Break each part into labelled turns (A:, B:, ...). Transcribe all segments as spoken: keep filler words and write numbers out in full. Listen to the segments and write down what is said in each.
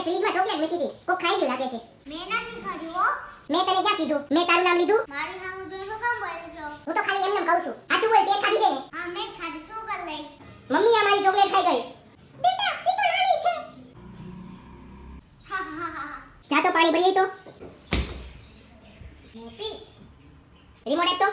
A: ફ્રીજમાં ચોકલેટ મૂકી હતી. કોક ખાઈ ગયું લાગે છે.
B: મેં નથી ખાધું હો.
A: મેં તને ક્યાં કીધું? મેં તારું નામ લીધું?
B: મારી સામે જોઈ શું કામ બોલે છો?
A: હું તો ખાલી એમને કહું છું. સાચું બોલ, તે ખાધી છે ને?
B: હા મેં ખાધી. શું કર લઈ?
A: મમ્મી આ મારી ચોકલેટ ખાઈ ગઈ. બેટા ઈ તો નાની છે.
B: હા હા હા.
A: જા તો પાણી ભરી આઈ તો.
B: મોટી
A: રિમોટ આપ તો.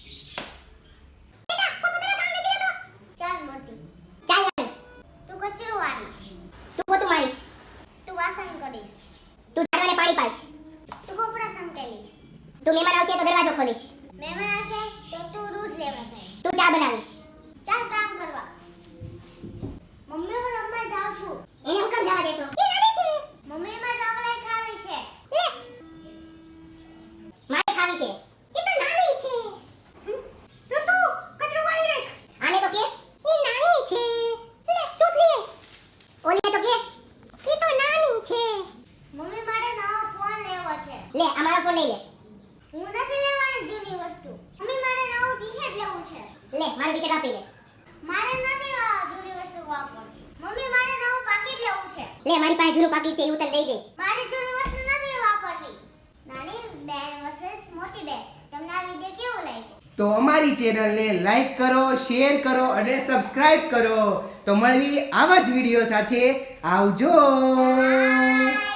B: ચાલ મોટી.
A: ચાલ નાની.
B: તું કચરો વાળીશ.
A: તું પોતું મારીશ.
B: તું વાસણ કરીશ.
A: તું ઝાડવાને પાણી પાઈશ.
B: તું કપડાં સંકેલીશ.
A: તું મહેમાન આવશે તો દરવાજો ખોલીશ.
B: મહેમાન આવશે તો તું દૂધ લેવા જઈશ.
A: તું ચા બનાવીશ.
B: ચાલ કામ કરવા. મમ્મી હું રમવા જાઉં છું.
A: એને હું કામ જવા દેશો? એ નાની છે.
B: મમ્મી માં ચોકલેટ ખાવી છે.
A: લે. મારે ખાવી છે. એ તો નાની છે. ઋતુ કચરો વાળી નાખ. આને તો કે એ નાની છે. લે તું લે. ઓને તો કે એ તો નાની છે.
B: મમ્મી મારે નવો ફોન લેવો છે.
A: લે આ મારો ફોન લઈ લે.
B: હું નથી લેવાની જૂની વસ્તુ. મમ્મી મારે નવું ટી-શર્ટ લેવું છે.
A: લે મારું ટી-શર્ટ આપી લે.
B: મારે નથી આ જૂની વસ્તુ વાપરવી. મમ્મી મારે નવું પાકીટ લેવું છે.
A: લે મારી પાસે જૂનું પાકીટ છે એ હું તને દઈ દે.
B: મારી જૂની વસ્તુ નથી વાપરવી. નાની બેન વર્સસ મોટી બેન. તમને આ વિડિયો કેવો લાગ્યો?
C: તો અમારી ચેનલને લાઈક કરો, શેર કરો અને સબસ્ક્રાઇબ કરો. તો મળવી આવા જ વિડીયો સાથે. આવજો.
B: બાય.